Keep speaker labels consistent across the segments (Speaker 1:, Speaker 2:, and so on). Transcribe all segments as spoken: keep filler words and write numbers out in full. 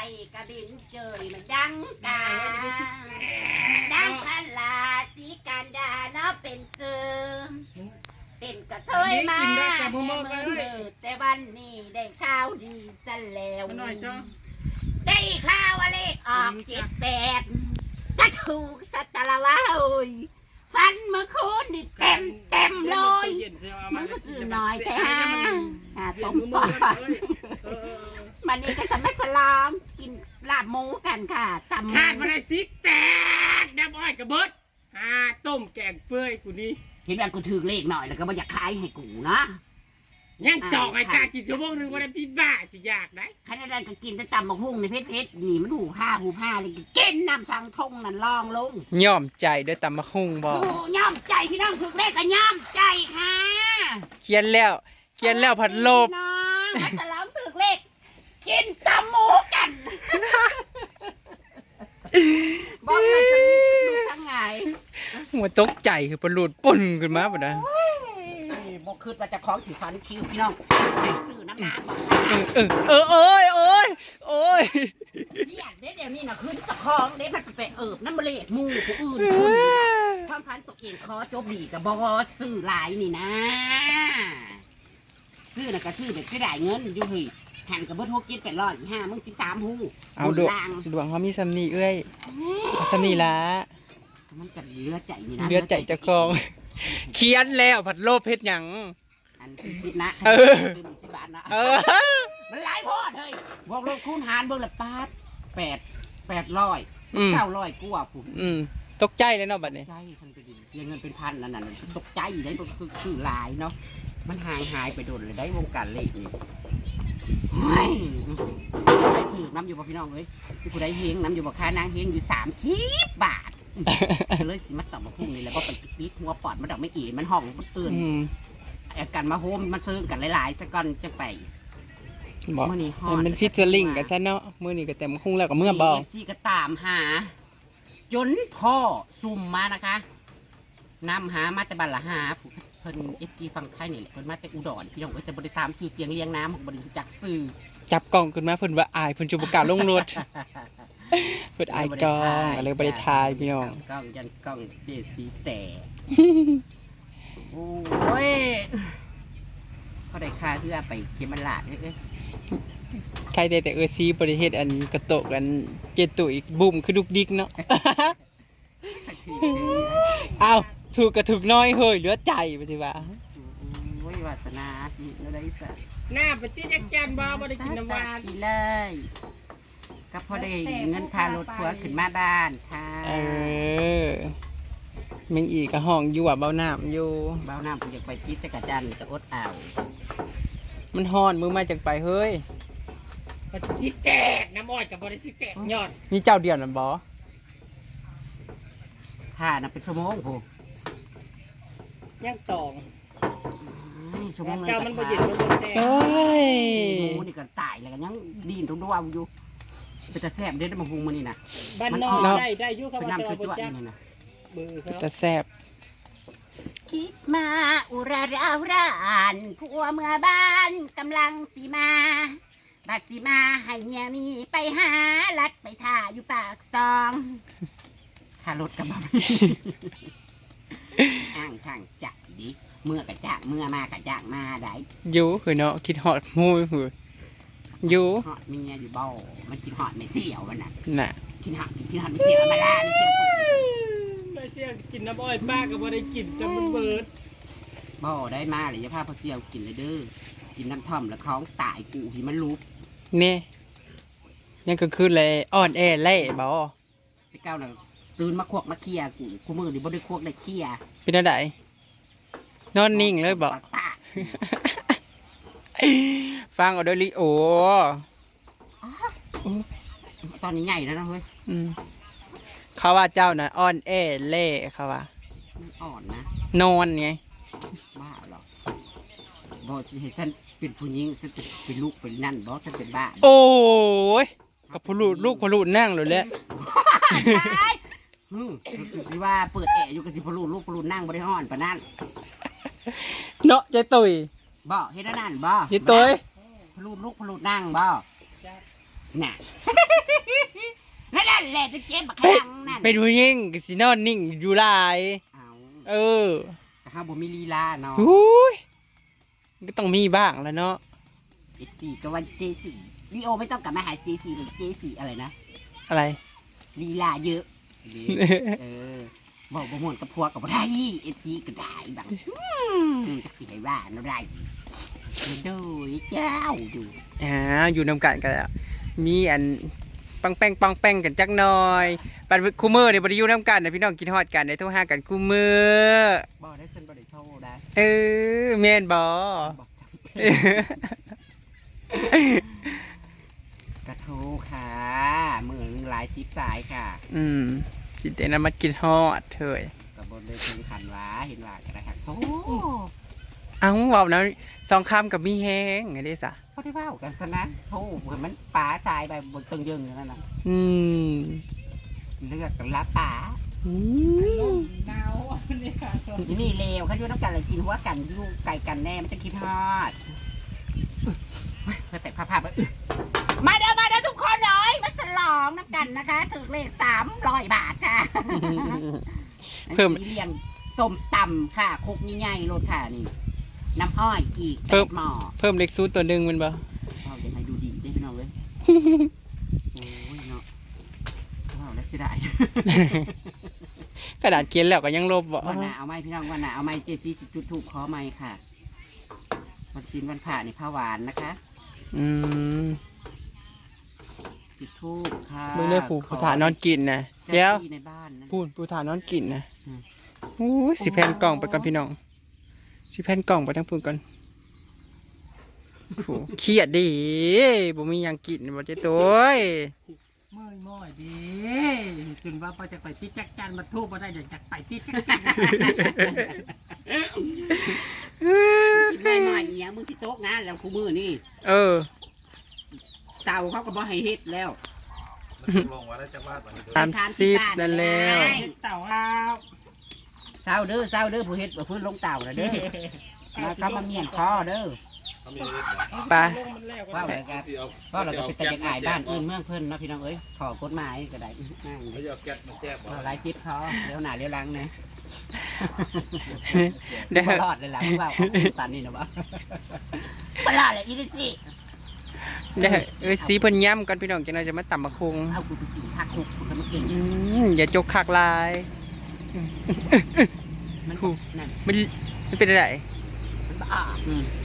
Speaker 1: กระบินเจยมันดังกาดังพันลาสีการดาเนาะเป็นเกิมเป็นกระเทยมาแต่เมื่อเมื่อแต่วันนี้ได้ข้าวดีซะแล้วได้ข้าวเลขออกเจ็ดแปดก็ถูกสัตว์ละวะโอยฟันเมื่อคืนนี่เต็มเต็มเลยมันก็สื่อน้อยแต่ฮะต้มปอดมันนี่ก็จะไม่สลองกินลาบหมูกันค่ะตำ
Speaker 2: ขาดมาได้สิแตกน้ำอ้อยกระเบิดหาต้มแกงเปื่อยกูนี่
Speaker 1: เห็นว่ากูถือเลขหน่อยแล้วก็ไม่อยากขายให้กูนะ
Speaker 2: ยังตอกไอ้กากินชั่วโมงหนึ่งวันละพี่บ้าจะอยากได้
Speaker 1: ขณะนั้นก็กินแต่ตำบักหุ่งในเพชรเพชรนี่มันหูผ้าหูผ้าเลยกินน้ำสังทงนั่นลองลง
Speaker 3: ย่อมใจด้วยตำมะฮุ่งบอก
Speaker 1: ย่อมใจพี่น้องถือเลขก็ย่อมใจค่ะ
Speaker 3: เขียนแล้วเขียนแล้วผัดโลบ
Speaker 1: น้องมาสลองถือเลขกินตำหมูกันบอกเลยจะมีลูกทั้งไง
Speaker 3: หัวตกใจคือปลุดปุ่นขึ้นมาปะนะ
Speaker 1: บอกคืนว่าจะคล้องสีฟันคิ้วพี่น้องซื้อน้ำหนักบอก
Speaker 3: เออเออเอ้ยโอ้ยโอ้ย
Speaker 1: นี่อยากได้เดี๋ยวนี้นะคืนตะคองเด็กมันไปเอิบน้ำเบลดมูผู้อื่นคุณความพันตัวเองคอจบดีกับบอซื้อหลายนี่นะซื้อน่ะก็ซื้อแบบจะได้เงินอยู่เฮ้ยหันกับเบิ้ลหกกินแปดร้อยห้ามึงสิบสามหู
Speaker 3: เอาดวงดวงเขามีซัมนี่เอ้ยซัมนี่ละ
Speaker 1: มันกัดเลือดใจนี่นะ
Speaker 3: เลือดใจจะคลองเขียนแล้วผัดโลบเพชรหยัง
Speaker 1: อันสิบนะ
Speaker 3: เออ
Speaker 1: สิบบาทนะ
Speaker 3: เออ
Speaker 1: มันหลายพอดเลยบอกลงคูณหารเบิ้งละปาดแปดแปดร้อยเก้าร้อยกว่าผม
Speaker 3: ตกใจเลยเนาะบัดนี้
Speaker 1: ใจคนไปดิเสียเงินเป็นพันนั่นน่ะตกใจได้ก็คือคือหลายเนาะมันหายหายไปโดนเลยได้วงการเลขนี่ไม่ได้ถือน้ำอยู่บ่พี่น้องเลยที่ผู้ใดเฮงน้ำอยู่บ่ค้านางเฮงอยู่สามสิบบาทเลยสิมาตอบมาพุ่งนี่แหละว่าไปปิดหัวปอดมันดอกไม่เอ๋มันห้องมันตื่นอาการมาโฮมมาซื้อกันหลายๆสักก้อนจะไป
Speaker 3: บอกมันฟิชเชอร์ลิงกันซะเนาะมือนี่ก็เต็มคุ้งแล้วกับเมื่อบอก
Speaker 1: ซีก็ตามหาจนพ่อซุ่มมานะคะนำหามาแต่บัลละหาเพิ่นเอฟซีฟังไทยนี่แหละเพิ่นมาแต่อุดรพี่น้องก็จะบริตามชื่อเสียงเลี้ยงน้ำของบริจักซื้อ
Speaker 3: จับกล้องขึ้นมาเพิ่นว่าอายเพิ่นจุบกาลงรถเพิ่นอายกล้องอะไรบริทายพี่น้อง
Speaker 1: กล้องยันกล้องเดซีแต่โอ้ยเขาได้ค่าเพื่อไปเก็บมันลาดเอ้ย
Speaker 3: ใครได้แต่เออซีบริเทศอันกระโตกอันเจตุอีกบุ่มคือดุกดิกเนาะเอาถูกกระถูกน้อยเฮ้ยเหลือใจไปสิว่า
Speaker 1: โอ้ยวาสนาสิอะไรสัก
Speaker 2: หน้าปฏิจักจันบ่บ่ได้กินน้ำหวาน
Speaker 1: เลยก็พอได้เงินค่ารถทัวร์ขึ้นมาบ้านค่ะ
Speaker 3: เออมึงอีกกระห้องอยู่อ่ะเบาหน้าอยู่
Speaker 1: เบาหน้าผมอยากไปพิษแต่กระจันจะอดเอา
Speaker 3: มันห่อนมือมาจากไปเฮ้ย
Speaker 2: มันสิแตกน้ำอ้อยกับบริสิแตกยอด
Speaker 3: มีเจ้าเดียวนั่นบ่
Speaker 1: ค่ะนับเป็นชั่วโมงผม
Speaker 2: ยังตอง
Speaker 1: ชั่วโมง
Speaker 2: เจ้ามันบ่เย็นมันบ่แซ่บ
Speaker 3: เฮ้ย
Speaker 1: หมูนี่ก็ตายแล้วกันยังดีนตรงดวงอยู่เป็นตะแซ่บเด็ดมาหุงมันนี่นะ
Speaker 2: บ้านนอกได้ได้ยุ่งกับ
Speaker 1: น้ำคือตัวนี่นะ
Speaker 3: ตะแซ่บ
Speaker 1: คิดมาอุราราร้านผัวเมื่อบ้านกำลังสีมาบัดสีมาให้เมียมีไปหาลัดไปท่าอยู่ปากซองขารถกระบะอ้างทางจักดิเมื่อกระจากเมื่อมากระจากมาได้
Speaker 3: ยูคือเนาะคิดหอดมูคือยู
Speaker 1: หอดเมียอยู่บ่มันคิดหอดไม่เสียวมันน่ะ
Speaker 3: น่ะ
Speaker 1: คิดหอดคิดหอดไม่เสียวมาล่าไม่เสียวปุ๊บ
Speaker 2: ไม่เสียวกินน้ำอ้อยป้าก็บ่ได้กินจนมันเบิด
Speaker 1: บ่ได้มาเลยจะพาพ่อเสียวกินเลยเด้อกินน้ำท่อมแล้วท้องตายกูที่มันลุก
Speaker 3: เนี่ยยังก็คือเลยอ่อนแอเล่บ่
Speaker 1: ไอ้เก้าน่ะตื่นมาควักมาเคี่ยกูกูมือดิบ่ได้ควักได้เคี่ย
Speaker 3: เป็นอะไรนอนนิ่งเลยบ่ฟังเอาด้วยลิโอ
Speaker 1: ตอนนี้ใหญ่แล้วนะเฮ้ย
Speaker 3: เขาว่าเจ้าน่ะอ่อนแอเล่เขาว่า
Speaker 1: อ่อนนะ
Speaker 3: นอนไง
Speaker 1: บ้าหรอบ่เห็นฉันเป็นผู้หญิงฉันเป็นลูกเป็นนั่นบ่ฉันเป็นบ้า
Speaker 3: โอ้ยกับผู้ลูกลูกผู้ลูกนั่งเลยแหละ
Speaker 1: อืมคือว่าเปิดแอร์อยู่กับสิผู้ลูกลูกผู้ลูกนั่งบริหารปะนั่น
Speaker 3: เนาะเจตุย
Speaker 1: บ่เฮ็ดนั่นบ่
Speaker 3: เจตุย
Speaker 1: ผู้ลูกลูกผู้ลูกนั่งบ่น่ะนั่นแหละจะเจ็บบักข้างนั่น
Speaker 3: เป็นผู้หญิงก็สินอนนิ่งอยู่หลาย
Speaker 1: เอา
Speaker 3: เออ
Speaker 1: ข้าวบ่มีลีลาเนาะ
Speaker 3: อุ้ยก็ต้องมีบ้างแล้วเนาะ
Speaker 1: เจสี่ก็วันเจสี่ลีโอไม่ต้องกลับมาหาเจสี่หรือเจสี่อะไรนะ
Speaker 3: อะไร
Speaker 1: ลีลาเยอะเออบอกบ่ม่วนกับพวกกับไรเอซีก็ได้บังจะสิให้ว่าเนาะได้โดยเจ้าอยู่
Speaker 3: อ่าอยู่นำกันกันแล้วมีอันปังแป้งปังแป้งกันจักหน่อยปันคูมือเนี่ยบริยูนำกันนะพี่น้องกินฮอดกันในโทรหากันคูมือ
Speaker 1: บ่ได้เส้นบ่ได้โทรได้
Speaker 3: เออแม่นบ่
Speaker 1: บอกกระทูค่ะมือหนึ่งหลายสิบสายค่ะ
Speaker 3: อืมจิตเตนะมากินฮอดเถย
Speaker 1: กับบนเลยถึงขันว้าเห็นว่ากันนะครับโอ้
Speaker 3: เอ้าเว้านะสองคำกับมีแฮงไงเด้ซะ
Speaker 1: เขาได้ว่ากันซะนะโอ้เหมือนมันป๋าทรายไปบนตึงยึงอย่างนั้นนะ
Speaker 3: อืม
Speaker 1: เลือกกันละป๋า
Speaker 3: อืม
Speaker 2: หนาวเนี่ย
Speaker 1: ที่นี่เลวเขาอยู่น้ำกันเลยกินหัวกันอยู่ไก่กันแน่มันจะคิดฮอดก็แต่ภาพภาพมาเด้อมาเด้อทุกคนเลยมาฉลองน้ำกันนะคะถึงเลขสามร้อยบาทค่ะ
Speaker 3: เพิ่ม
Speaker 1: เลี้ยงส้มตำค่ะคุกง่ายๆรสค่ะนี่น้ำอ้อยอีก
Speaker 3: เพิ่
Speaker 1: เป็
Speaker 3: ม
Speaker 1: ดหม้อ
Speaker 3: เพิ่มเล็กซูดตัวหนึงแมันบ่
Speaker 1: เอาอย่างไรดูดีได้พี่น้องเลยโอ้ยเนาะว้าวแล้วสิได้
Speaker 3: กระดาษเขียนแล้วก็ยังลบบ่
Speaker 1: วันหนาเอาไม้พี่น้องวันหนาเอาไม้เจซีจุดถูกขอไม้ค่ะวันจีนวันผ่านี่ข้าวหวานนะคะ
Speaker 3: อืม
Speaker 1: จุดทูบค่ะ
Speaker 3: เบิ่งได้ผู้ผู้ฐานนอนกินนะ
Speaker 1: เดี๋
Speaker 3: เดี๋
Speaker 1: ย
Speaker 3: ยว ว
Speaker 1: ในบ้านนะ
Speaker 3: พูดผู้ฐานนอนกินนะ
Speaker 1: อืม
Speaker 3: โอ้ยสิแผ่นกล่องไปก่อนพี่น้องสิแผ่นกล่องไปทั้งพูนก่อนโอ้เครียดดิบ่มีหยังกินบ่เจ้ตัวเอ้ย
Speaker 2: เมื่อยม่อยดีถึงว่าพอจะไปที่จักจันมาทูบมาได้เดี๋ยวจะไปที่จักจัน
Speaker 1: ไม่หน่อยเนี้ยมึงที่โต๊ะงานแล้วคู่มือนี่
Speaker 3: เออ
Speaker 1: เตาเขาก็บ่ให้เฮ็ดแล้ว
Speaker 3: สามสิบนั่นแล้ว
Speaker 2: เต่าเอา
Speaker 1: เศร้าเด้อเศร้าเด้อผู้เฮ็ดบ่พื้นลงเต่านะเด้อมาก็มาเมียนคอเด้อ
Speaker 3: ไป
Speaker 1: ว่าอะไรกันว่าเราก็เป็นแต่เด็กอายบ้านอื่นเมืองเพิ่นเนาะพี่น้องเอ้ยขอกฎหมายก็ได้นั่งเราไล่จิบเขาเลี้ยวหน้าเลี้ยวหลังนะ
Speaker 3: เดี๋ยว
Speaker 1: ตลอดเลยล่ะว่าออกตันนี่นะว่าตลอดเลยอีลิซี่
Speaker 3: เดี๋ยวเอ้ยสีเพิ่นย่ำก่อนพี่น้องจังได๋จะมาตำบักคง
Speaker 1: เอากูไปกินผักคุกกูก็มาเก่ง
Speaker 3: อืมอย่าจกคักลาย
Speaker 1: มันนั่น
Speaker 3: มันมันเป็นอะไร
Speaker 1: มันบ้าอืม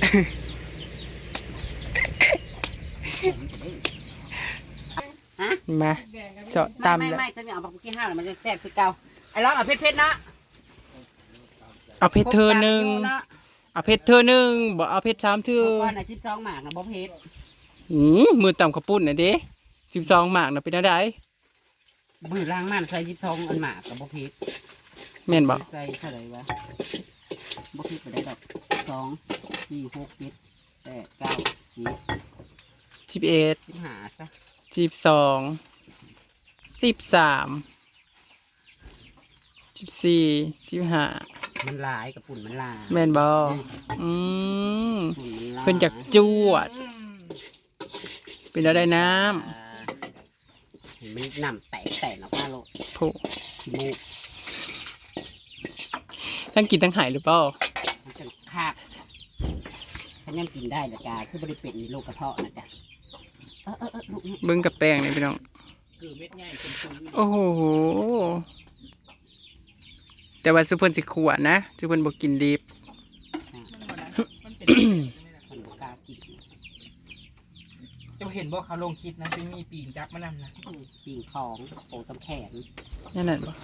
Speaker 3: มาเจาะ
Speaker 1: ไม่
Speaker 3: ตำ
Speaker 1: ไม่
Speaker 3: แล้ว
Speaker 1: ไม่ฉันเอาผักกี้ห้าวมันจะแซ่บคือเก่าไอ้ร้องเอาเผ็ดๆนะ
Speaker 3: เอาเพชรเธอหนึ่ง
Speaker 1: เนาะ
Speaker 3: เอาเพชรเธอหนึ่งบ่เอาเพชรสามเธอ
Speaker 1: เมื่อก่อนน่ะสิบสองหมากนะบ่เผ็ด
Speaker 3: อืมมือต่ำข้าวปุ้นน่ะเด้สิบสองหมากน่ะเป็นอะไร
Speaker 1: มือล้างมันใส่สิบสองอันหมากกับบ่เผ็ด
Speaker 3: แม่นบ่
Speaker 1: ใส่เท่าไหร่วะบ่เผ็ดไปได้ดอกสองสี่หกเจ็ดแปดเก้าสิบ
Speaker 3: สิบเอ็ด
Speaker 1: สิบห้าซะ
Speaker 3: สิบสองสิบสามสิบสี่สิบห้า
Speaker 1: มันลายกับปุ่นมันลาย
Speaker 3: แม่นบ่อืม
Speaker 1: ปุ่นมันลาย
Speaker 3: เพิ่นจากจวด เป็นอะไรน้
Speaker 1: อ่าเห็นมันน้ำแตกแตกออกมาโลด
Speaker 3: ำโผ
Speaker 1: ขี้มูก
Speaker 3: ทั้งกินทั้งหายหรือเปล่า
Speaker 1: มันจะคาบถ้ายังกินได้ละกาคือบริเป็นมีโรคกระเพาะนะจ๊ะเออเออเออลูกนี่
Speaker 3: เบิ้งกับแป้งนี่พี่น้อง
Speaker 2: คือเม็ดใหญ่เป็นซื้อ
Speaker 3: โอ้โห แต่ว่าสุเพิ่นสิขวดนะสุเพิ่นบ่กินดิบ
Speaker 2: มันเป็น
Speaker 1: สันบกล้ากิน
Speaker 2: จะเห็นบอกเขาลงคลิปนะที่มีปีนจับมานำนะ
Speaker 1: ปีงของโปตำแขน
Speaker 3: นั่นน่ะบ่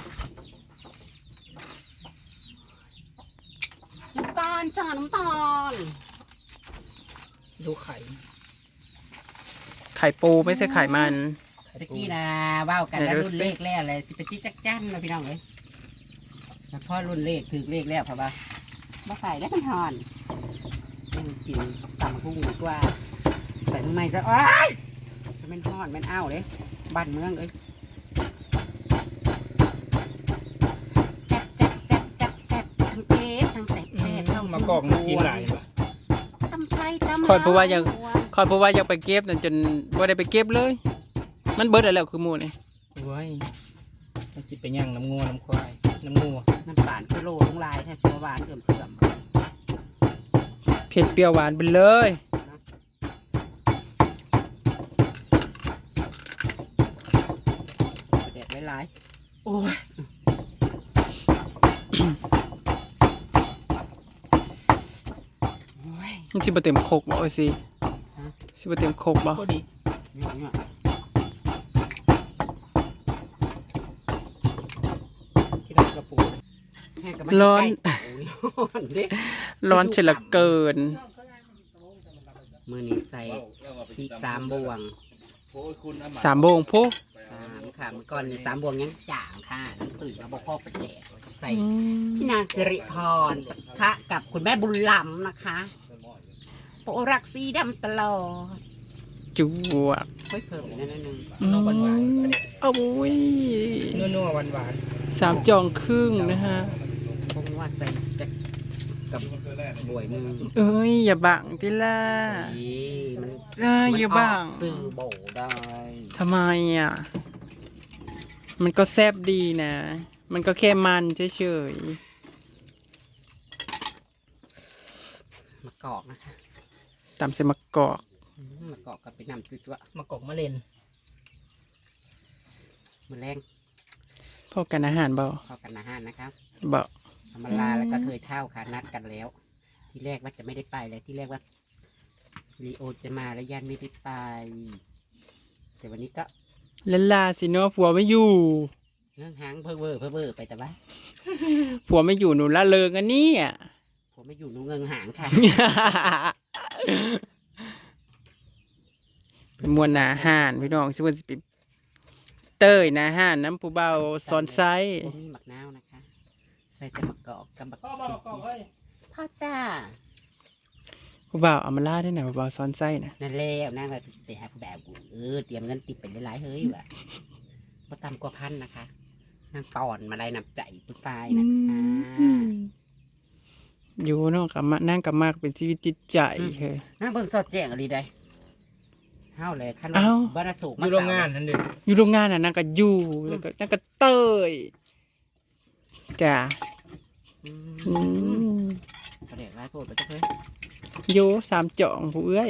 Speaker 1: น้ำตาลจ้าน้ำตาล
Speaker 2: ดูไข่
Speaker 3: ไข่ปูไม่ใช่ไข่มัน
Speaker 1: ตะกี้นะว่าวกันแล้วรุ่นเลขแล้วเลยสิไปที่จักจั่นนะพี่น้องเอ้ยแล้วพอรุ่นเลขถือเลขแล้วเพราะว่าบ่ใส่แล้วมันหอนยังกินตำพุ่งดีกว่าใส่ทำไมจะโอ้ยมันหอนมันอ้าวเลยบ้านเมืองเอ้ยแซ่บแซ่บแซ่บแซ่บแซ่บทั้งเอ๊ะทั้งแซ่บแซ่บทั้ง
Speaker 2: มากอกมีชิ้นหลายป่ะ
Speaker 1: ตำไทยตำ
Speaker 3: คอยเพราะว่ายัง
Speaker 1: ลว
Speaker 3: คอยเพราะว่าอยากไปเก็บนั่นจนบ่ได้ไปเก็บเลย มันเบิดแล้วคือหมูนี่
Speaker 2: โอ้ยมันสิไปย่างน้ำงัวน้ำควายน้ำงัว
Speaker 1: น้ำตาลกิโลลงลายแทบจะหวานเกินเพื่อม
Speaker 3: เผ็ดเปรี้ยวหวานไปเลย
Speaker 1: เด็ดหลายๆโอ้ย
Speaker 3: มันสิบ่เต็มโคกบ่เอ้ยสิสิบ่เต็มโคกบ่
Speaker 2: ก็ดี
Speaker 1: เนี่ย
Speaker 2: ที่ได้กระปู
Speaker 1: แห้งกับมันใกล้เต่านี่เด็ก
Speaker 3: ร้อนเฉยเหลือเกิน
Speaker 1: มือนี้ใส่สีสามบวง
Speaker 3: สามโมงพุ
Speaker 1: สามค่ะเมื่อก่อนนี่สามบวงยังจ่างค่ะน้ำตื่นมาบอกพ่อไปแจกใส่
Speaker 3: อืม
Speaker 1: พี่นางสิริพรค่ะกับคุณแม่บุญล้ำนะคะโปรักสีดำตลอด
Speaker 3: จุ๊วก
Speaker 1: เฮ้ยเพิ่มอีกนิดนึง
Speaker 2: น้องหวานหวาน
Speaker 3: โอ้ย
Speaker 2: นัวๆหวานหวาน
Speaker 3: สามจองครึ่งนะฮะ
Speaker 1: คงว่าใส่จะกับบวยมือ
Speaker 3: เอ้ยอย่าบังติล่ะ
Speaker 1: นี่มัน
Speaker 3: เอ้ยอย่าบัง
Speaker 1: มันออกสื่อโบได้
Speaker 3: ทำไมอ่ะ มันก็แซบดีนะ มันก็แค่มันเฉย
Speaker 1: มะกอกนะคะ
Speaker 3: ๆตามเสมะกอก
Speaker 1: อืมมะกอกกับไปนำจุ๊ว
Speaker 2: ๆมะกอกมะเร็น
Speaker 1: ๆมือแรง
Speaker 3: พอกันอาหารเบา
Speaker 1: เข้ากันอาหารนะครับ
Speaker 3: เบา
Speaker 1: ธรรมดาแล้วก็เคยเท่าค่ะนัดกันแล้ว ที่แรกว่าจะไม่ได้ไปเลยที่แรกว่าลีโอจะมาแล้วยันไม่ได้ไป แต่วันนี้ก็
Speaker 3: ลาลาสิเนาะผัวไม่อยู่
Speaker 1: เรื่องหางเพ้อเวอร์เพ้อเวอร์ไปแต่ว่า
Speaker 3: ผัวไม่อยู่หนูละเลิงอันนี้อ่ะ
Speaker 1: ผมไม่อยู่หนูเงิงหางค่ะ
Speaker 3: เป็นมวลอาหารพี่น้องสิว่าสิไปเต้ยนะอาหารน้ำผู้เบาซอนไซ
Speaker 1: ผมมีหมักนาวนะคะ ใส่แต่มะกอกกับมะ
Speaker 2: พ่อบอกกอกเฮ้ย
Speaker 1: พ่อจ้า
Speaker 3: ผู้เบาเอามาล่าด้วยนะผู้เบาซอนไซนะ
Speaker 1: นั่นแล้วนั่นก็เตะแบบเออเตรียมเงินติดไปหลายๆเฮ้ยว่ะพอตำกว่าพันนะคะนางตอนมาได้นำใจผู้ชายนะคะ
Speaker 3: อยู่เนาะกับมานั่งกับมากเป็นชีวิตจิตใจเฮ้ย
Speaker 1: น่าเบิ่งสอดแจ้งอะไรได้เฮ้าเลยขั้น
Speaker 3: เอ้า
Speaker 1: บาราสู
Speaker 2: อยู่โรงงานนั่นเด็ก
Speaker 3: อยู่โรงงานน่ะนั่งก็อยู่แล้วก็นั่งก็เต้ยจ้ะ
Speaker 1: อื
Speaker 3: อื
Speaker 1: ม
Speaker 3: ม
Speaker 1: ประเด็กร้ายโปรดไปจ้ะเฮ้ย
Speaker 3: โยสามจ่องผู้เอ้ย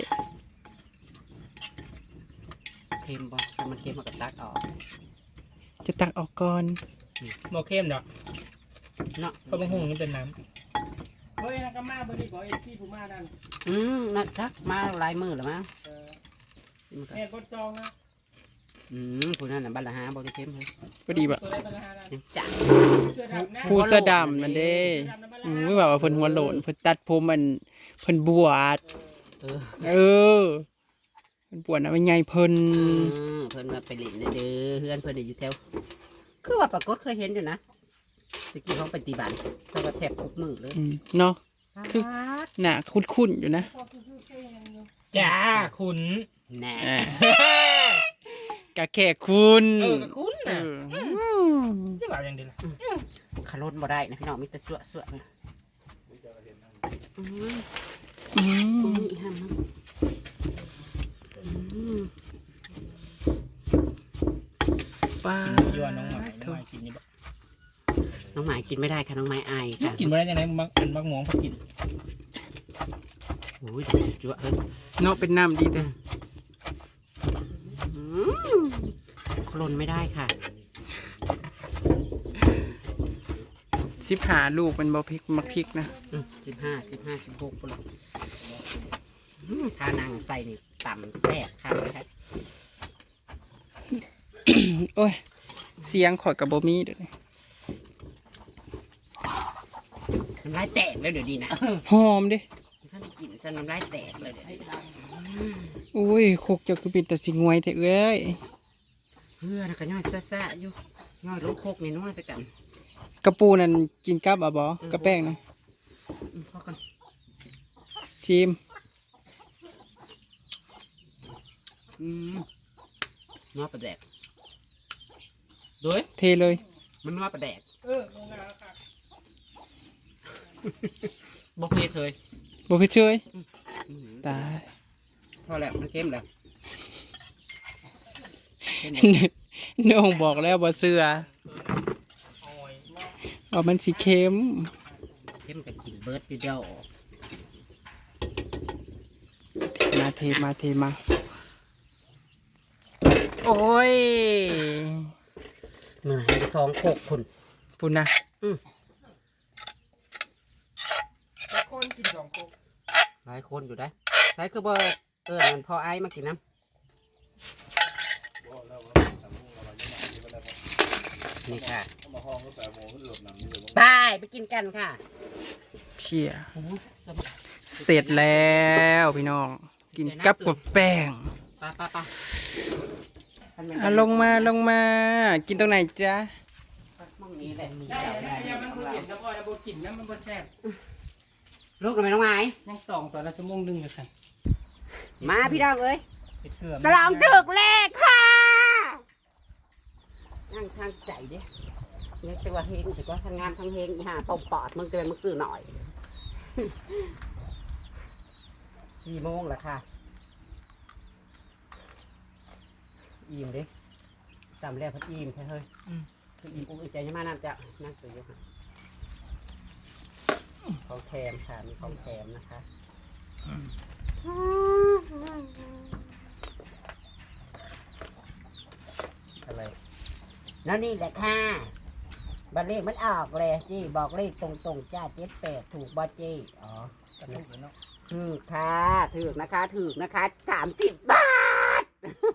Speaker 1: เค็มบ่ถ้ามันเค็มมันก็ตักออก
Speaker 3: จะตักออกก่อน
Speaker 2: โมเข้มดอก
Speaker 1: เนาะ
Speaker 2: เพราะบางหุ่งนี่เป็นน้ำเฮ้ยนักมาบริบอกเอซี่ผู้มาดัน
Speaker 1: อืมมาทักมาหลายมือแล้วมั้ง
Speaker 2: เออ
Speaker 1: มันก็
Speaker 2: แม่กดจองนะ
Speaker 1: อืมผู้นั้นน่ะบัลละหาบ่ได้เค็มเฮ้ย
Speaker 3: พอดีแบบ
Speaker 2: ตัวได้ปัญหาดัน
Speaker 1: ยังจัง
Speaker 2: เสื้อดำนะ
Speaker 3: ผู้เสื้อดำนั่นเด้อืมไม่บอกว่าเพิ่นหัวโหลนเพิ่นตัดผมมันเพิ่นบวช
Speaker 1: เออ
Speaker 3: เออเพิ่นบวชนะเป็นไงเพิ่น
Speaker 1: เออเพิ่นมาไปเล่นเด้อเพื่อนเพิ่นอยู่แถวคือว่าปรากฏเคยเห็นอยู่นะตะกี้เขาปฏิบัติสวัสดิ์แทบทุกมือเลย
Speaker 3: อืมเนาะ คือ หน้าคุ้นๆอยู่นะ
Speaker 2: จ้าคุณ
Speaker 1: แน่
Speaker 3: อ่ะกะแค่คุณ
Speaker 2: เออกับคุณ
Speaker 3: เอ
Speaker 2: น่ะ
Speaker 3: ออืม
Speaker 2: ไม่บอกอย่างเดียวละ
Speaker 1: ขลุ่นบ่ได้นะพี่น้องมีแต่สั่วสั่วนะอืม
Speaker 3: อื
Speaker 1: อื
Speaker 3: ม
Speaker 1: มอีห้ามนะอืม
Speaker 3: ป้า
Speaker 2: กินยั่วน้องหมายน้องหมายกินนี่บ่
Speaker 1: น้องหมายกินไม่ได้ค่ะน้องไม้อายค่ะ
Speaker 2: กินบ่ได้ยังไงมักเป็นมักหมองพักกิน
Speaker 1: โอ้ยเดี๋ยวจั่วเฮ้ย
Speaker 3: เนาะเป็นน้ำดีเด้อ
Speaker 1: อืมขลุ่นไม่ได้ค่ะ
Speaker 3: สิบหาลูกเป็นบอพริกมักพริกนะ
Speaker 1: สิบห้าสิบห้าสิบหกปุ่นถ้านางใส่นี่ต่ำแซ่บค่ะนะคะ
Speaker 3: โอ้ย เสียงข่อยกับบมีเด้อ
Speaker 1: น้ำลายแตกแล้วเดี๋ยวดีนะ
Speaker 3: หอมเดิ
Speaker 1: ถ้าได้กินซะน้ำลายแตกเลยเดี๋ยวนี้
Speaker 3: อุ้ยโคกเจ้าคือเป็นแต่สิงวยแต่เอ้ย
Speaker 1: เพื่อนก็ย่อยซ่าๆอยู่ย่อยลูกโคกนี่น้อยสักกัน
Speaker 3: กระปูนั่นกินกับอ่ะบอกระแป้งนะ
Speaker 1: อืมพอกัน
Speaker 3: ชิม
Speaker 1: อืมนอปลาแดกด้วย
Speaker 3: เทเลย
Speaker 1: มันนอปลาแดก
Speaker 2: เออโรงงานค่ะ
Speaker 1: บอกเพเคย
Speaker 3: บอกเฉย
Speaker 1: อืม
Speaker 3: ตาย
Speaker 1: พอแล้วมันเค็มแล้ว
Speaker 3: น้องบอกแล้วบ่เสือเอามันสิเค็ม
Speaker 1: เค็มกับกินเบิร์ดอยู่เดียว
Speaker 3: มาเทมาเทมาโอ้ย
Speaker 1: เหนื่อยให้สองโคกคุณ
Speaker 3: ปุ่นนะ
Speaker 2: คนกินสองโคก
Speaker 1: หลายคนอยู่ได้ใช้คือเบอร์เออมันพอไอ้มากินน้ำนี่ค่ะไปไปกินกันค่ะ
Speaker 3: เพียเสร็จแล้วพี่น้อง กินกับกับแป้ง
Speaker 1: ไปไปไป
Speaker 3: อ่ะลงมาลงมา กินตรงไหนจ๊ะ
Speaker 1: มองนี้แหละมี
Speaker 2: ได้
Speaker 1: เจ้า
Speaker 2: ได้ได้มันบ่เห็นแล้วพอแล้วบ่กินนะมันบ่แซ่บ
Speaker 1: ลูกทำไมน้องไม้
Speaker 2: ยังตองตัวละชั่วโมงหนึงอยู่ซั่น
Speaker 1: มาพี่ดองเอ้ย
Speaker 2: เฮ็ดเกลือ
Speaker 1: สลองถึกเลขค่ะนั่งทางใจดิเนี่ยจะว่าเฮงแต่ว่าทางงานทางเฮงอีห่าตบปอดมึงจะเป็นมึงซื้อหน่อย สี่โมงแล้วค่ะอิ่มดิจำแล้วพัดอิ่มใช่เฮ้ยคืออิ่มอุ้งอิ่มใจยังมานั่นจะนั่งตื่นอยู่ค่ะของแถมค่ะมีของแถมนะคะอะไรแล้วนี่แหละค่ะบัตรเลขมันออกเลยจี้บอกเลขตรงๆจ้าเจ็ดแปดถูกบอจี้อ๋อ
Speaker 2: กระดูกแล้วเนาะ
Speaker 1: ถูกค่ะถูกนะคะถูกนะคะสามสิบบาท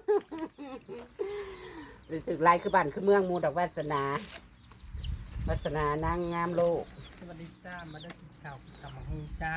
Speaker 1: หรือถึกไรคือบ้านคือเมืองมูดอกวาสนาวาสนานางงามโลก
Speaker 2: สวัสดีจ้ามาได้กินข้าวกินข้าวมังฮีจ้า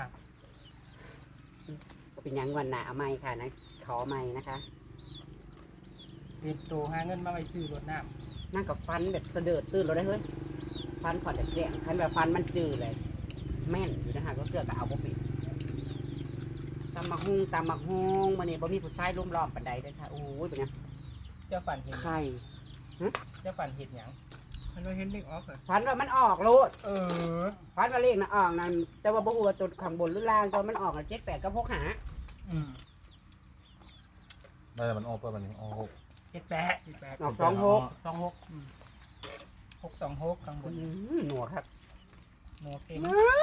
Speaker 1: ก็เป็นหยังวันหนาเอาไม่ค่ะนะขอไม่นะคะ
Speaker 2: เตรียมตัวหาเงินมาไว้ซื้อรถน้
Speaker 1: นั่งกับฟันแบบเสด็จตื่นเราได้เฮ้ยฟันขอดแดงคันแบบฟันมันจืดเลย แม่นอยู่นะคะก็เกือบกับเอาบ่ปิดตำมักฮุงตำมักฮุงวันนี้บ่มีผู้ชายรุมล้อมปันใดเลยค่ะโอ้ยเป็นไง
Speaker 2: ำเจ้าฝันเห็น
Speaker 1: ไข่
Speaker 2: เจ้าฝันเห็นหยังมันว่าเห็นเด็กออกเหรอ
Speaker 1: ฟันว่ามันออกโลด
Speaker 2: เออ
Speaker 1: ฟันว่าเลขนะออกนั่นแต่ว่าบ่ฮู้ว่าตัวข้างบนหรือล่างตอนมันออกน่ะเจ็ดแปดก็พกหา
Speaker 2: อืม
Speaker 4: ไม่แต่มันออกไปมันออกหก
Speaker 2: เจ็ดแปดเจ็ดแปด
Speaker 1: ออกสองหก
Speaker 2: สองหกอืมหกสองหกข้างบน
Speaker 1: อืมหนัวครับ
Speaker 2: โนเค็ม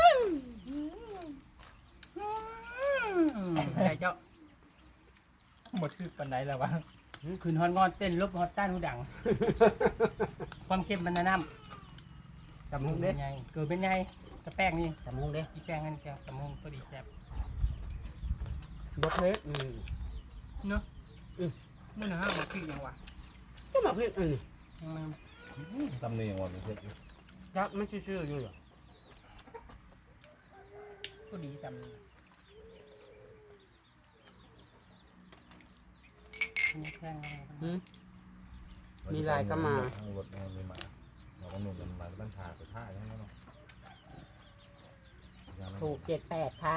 Speaker 2: ใช่เจ้าหมดคือปันไหนแล้ววะคืนฮอนงอนเต้นลบฮอตต้านหูดัง ความเค็มมันนะน้ำ
Speaker 1: จำมุง
Speaker 2: เป็
Speaker 1: เด้
Speaker 2: นไงเกิดเป็นไงกระแป้งนี่
Speaker 1: จำมุงเด้
Speaker 2: ที่แป้งนั่นแกตะมงก็ดีแซ่บบ
Speaker 1: ดเทสอืม
Speaker 2: เนาะมื่อนะฮะมาพริกยังวะ
Speaker 1: ก็มาเพิ่นอืม
Speaker 2: ยังมัน
Speaker 4: ตำเนียงวันเป็นเช็ด
Speaker 1: ยักษ์มันซื่อๆอยู่เหรอ
Speaker 2: ก็ดีจำนี่แป้งอะไร
Speaker 1: อืม มีลายก็มา
Speaker 4: ทั้งรถมันมีมาเราก็หนุนกันมาบ้านชาสุดท้ายใช่ไหมเนาะ
Speaker 1: ถูกเจ็ดแปดค่ะ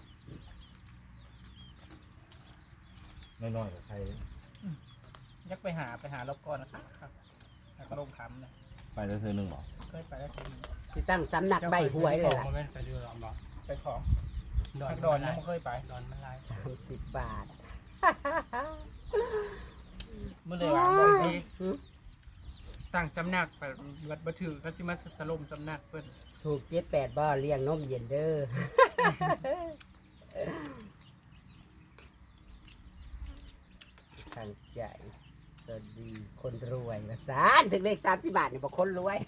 Speaker 4: น้อยๆกับใคร
Speaker 2: ยักไปหาไปหารอบก่อนนะครับครับแล้วก็ลงคำนะ
Speaker 4: ไปแล้วเธอหนึ่งหรอ
Speaker 2: เคยไปแล้วที
Speaker 1: สิตั้งสำนักใบหวยเลยล่ะ
Speaker 2: ไม่ไปดูลองบอกไปของดอนดอนยังไม่เคยไปดอนมันลาย
Speaker 1: สามสิบบาท
Speaker 2: เมื่อไรวะบอกสิ
Speaker 1: อืม
Speaker 2: ตั้งสำนักไปวัดบัถือก็สิมาตะลมสำนักเพิ่น
Speaker 1: ถูกเจ็ดแปดบ่เลี้ยงนมเย็นเด้อ ทางใจสวัสดีคนรวยมาสานถึงเลขสามสิบบาทเนี่ยบอกคนรวย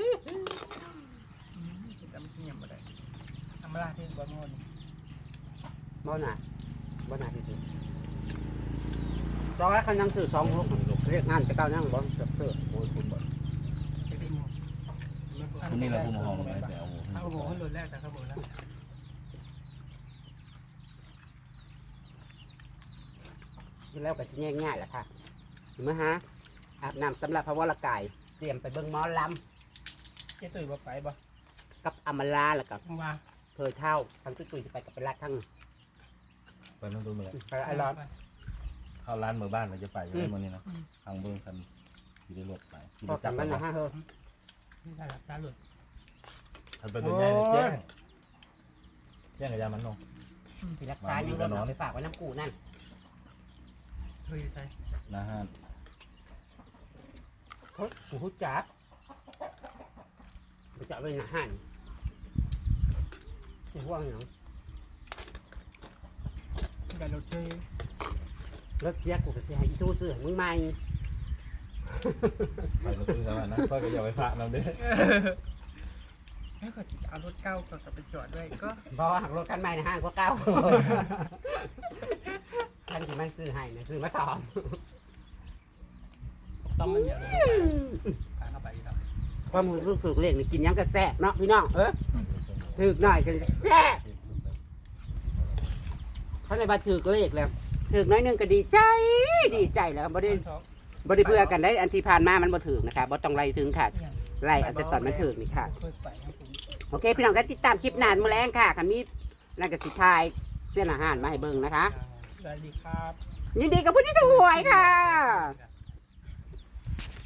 Speaker 2: จำเงียบมาได้ทำมาลาที่บ้านโง่น
Speaker 1: บ่หนาบ่หนาที่สุดตอนแรกเขายังซื้อสองหกเรียกงานจะเก้านั่งบ่เสือเสือโอ้ยคุณบ่
Speaker 2: จะได้หมด
Speaker 4: คนนี้เราพูดมาห้องไหมแต่เอา
Speaker 2: เอาโอ้โหขึ้นรถแรกแต่เขาบอกแล้ว
Speaker 1: แล้วก็จะง่ายๆแหละค่ะเห็นไหมฮะอาบน้ำสำหรับพระวรกายเตรียมไปเบิ่งหมอล
Speaker 2: เจ๊ตุ๋ยบอกไปบ่
Speaker 1: ำกับอำมาลาแล้วกับ
Speaker 2: ว่า
Speaker 1: เพอเท่าทั้งตุ้ยตุ้ยจะไปกับไปรัดทั้ง
Speaker 4: ไปนั่งดูเหมือน
Speaker 1: ไปไอ้ร้อน
Speaker 4: เข้าร้านเมื่อบ้านเราจะไปอยู่ในวันนี้นะทางเบื้องคันที่ได้รถไปที่
Speaker 1: พอ
Speaker 4: ได้
Speaker 1: กั
Speaker 4: จั
Speaker 1: น
Speaker 4: บ
Speaker 1: มันนะฮะเฮ้ย
Speaker 2: นี่ได้รับจ้าหลุด
Speaker 4: ทันไปเป็นไงแจ้งแจ้งกับยามันเนาะ
Speaker 1: สิรักษาอยู่แล้วเอาไปฝากไว้น้ำกูนั่น
Speaker 2: ยใช่
Speaker 4: นะฮะ
Speaker 1: เฮ้ยหูจับไปจับไปหนาหันหูว่างอย่าง
Speaker 2: การรถเชย
Speaker 1: รถเสียกูก็เสียให้อีตู้ซื้อให้มึงใหม่
Speaker 4: ไปมาซื้อแล้วนะก็อย่าไปพระเราเด้
Speaker 2: ให้ก็เอารถเก้าก็กลับไปจอดด้วยก็
Speaker 1: เพราะว่าหักรถคันใหม่ในห้างก็เก่าคันที่มันซื้อให้นะซื้อมาสอม
Speaker 2: ต้องมันอย่างนี้พาเข้าไปครับ
Speaker 1: ความรู้สึกฝึกเล่นนี่กินยังกระแซ่บเนาะพี่น้องเออถึกหน่อยกันแซ่บเขาเลยมาถึกเลขแล้วถึกน้อยหนึงก็ดีใจดีใจแล้วบ่ได้บ่ได้เบื่อกันได้อันที่ผ่านมามันบ่ถึกนะคะบ่ต้องไล่ถึงค่ะไล่เอาแต่ตอนมันถึกนี่ค่ะ
Speaker 2: เคยไปครับผม
Speaker 1: โอเคพี่น้องก็ติดตามคลิปนานมื้อแรงค่ะคันมีนั่นก็สิทายเส้นอาหารมาให้เบิ่งนะคะ
Speaker 2: สวัสดีครับ
Speaker 1: ยินดีกับผู้ที่ถูกหวยค่ะ